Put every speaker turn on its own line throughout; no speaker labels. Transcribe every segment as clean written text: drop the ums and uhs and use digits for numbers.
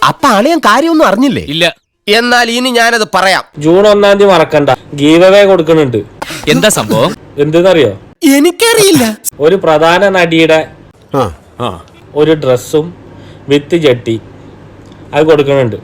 അപ്പൊ അളിയൻ കാര്യമൊന്നും അറിഞ്ഞില്ലേ?
ഇല്ല.
എന്നാൽ ഇനി ഞാനത് പറയാം.
ജൂൺ 1 മറക്കണ്ട, ഗീവ് അവേ കൊടുക്കുന്നുണ്ട്.
എന്താ സംഭവം?
എന്തെന്നറിയോ?
എനിക്കറിയില്ല.
ഒരു പ്രധാന നടിയുടെ ഒരു ഡ്രസ്സും വിത്ത് ജട്ടി അത് കൊടുക്കുന്നുണ്ട്.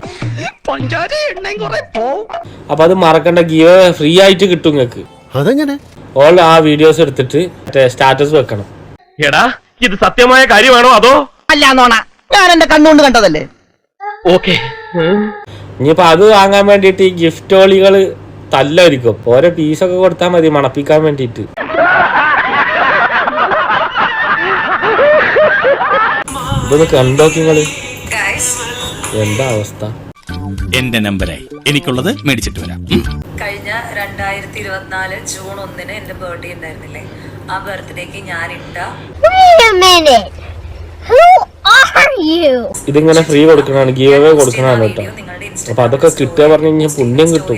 അപ്പൊ അത് മറക്കണ്ട, ഗീവ് അവേ ഫ്രീ ആയിട്ട് കിട്ടും നിങ്ങക്ക്.
അതെങ്ങനെ?
ഓൾ ആ വീഡിയോസ് എടുത്തിട്ട് സ്റ്റാറ്റസ് വെക്കണം.
എടാ, ഇത് സത്യമായ കാര്യമാണോ അതോ
അല്ല നോണ? ഞാൻ എന്റെ കണ്ണുകൊണ്ട് കണ്ടതല്ലേ.
ഓക്കെ.
ഇനിയിപ്പോ അത് വാങ്ങാൻ വേണ്ടിട്ട് ഈ ഗിഫ്റ്റ് ഓളികള് തല്ലായിരിക്കും. ഓരോ പീസൊക്കെ കൊടുത്താൽ മതി മണപ്പിക്കാൻ വേണ്ടിട്ട്. ഇതൊന്ന് കണ്ടോക്കിങ്ങള്, എന്താ അവസ്ഥ?
എന്റെ നമ്പറായി എനിക്കുള്ളത് മേടിച്ചിട്ട് വരാം.
കഴിഞ്ഞ 2024 ജൂൺ 1 എന്റെ ബർത്ത്ഡേ ഉണ്ടായിരുന്നില്ലേ? ആ ബർത്ത്ഡേക്ക് ഞാൻ ഇട്ട
ഇതിങ്ങനെ ഫ്രീ കൊടുക്കണാണ്, ഗീവ് അവേ കൊടുക്കണാണ് കേട്ടോ. അപ്പൊ അതൊക്കെ കിട്ടുക പറഞ്ഞു കഴിഞ്ഞാൽ പുണ്യം കിട്ടും.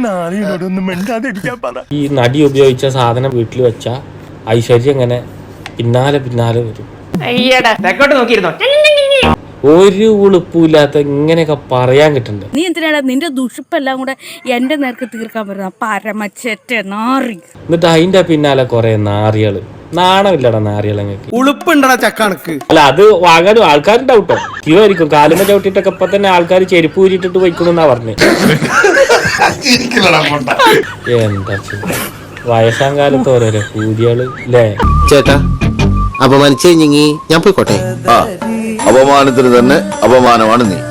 ഈ നടി ഉപയോഗിച്ച സാധനം വീട്ടിൽ വെച്ച ഐശ്വര്യം ഇങ്ങനെ പിന്നാലെ പിന്നാലെ വരും. ഒരു ഉളുപ്പില്ലാത്ത ഇങ്ങനെയൊക്കെ പറയാൻ കിട്ടണ്ടേ?
നീ എന്തിനാണ് നിന്റെ ദുഷിപ്പെല്ലാം കൂടെ എന്റെ നേർക്ക് തീർക്കാൻ പറ്റുന്ന പരമച്ചെറ്റ നാറി.
എന്നിട്ട് അതിന്റെ പിന്നാലെ കൊറേ നാറികള്. നാണമില്ലടാ നാറികളെങ്ങൾക്ക്.
ഉളുപ്പുണ്ടടാ ചക്കണക്ക്.
അല്ല, അത് വാങ്ങാനും ആൾക്കാരുണ്ടാവും കേട്ടോ. ക്യൂ ആയിരിക്കും. കാലുമ ചവിട്ടിട്ടൊക്കെ ഇപ്പൊ തന്നെ ആൾക്കാർ ചെരുപ്പ് ഊരിട്ടിട്ട് പോയിക്കണെന്നാ പറഞ്ഞേ. എന്താ വയസ്സാം കാലത്ത് ഓരോരോ കൂലികള് അല്ലേ?
ചേട്ടാ, അപമാനിച്ചു കഴിഞ്ഞെങ്കിൽ ഞാൻ പോയിക്കോട്ടെ.
അപമാനത്തിന് തന്നെ അപമാനമാണ് നീ.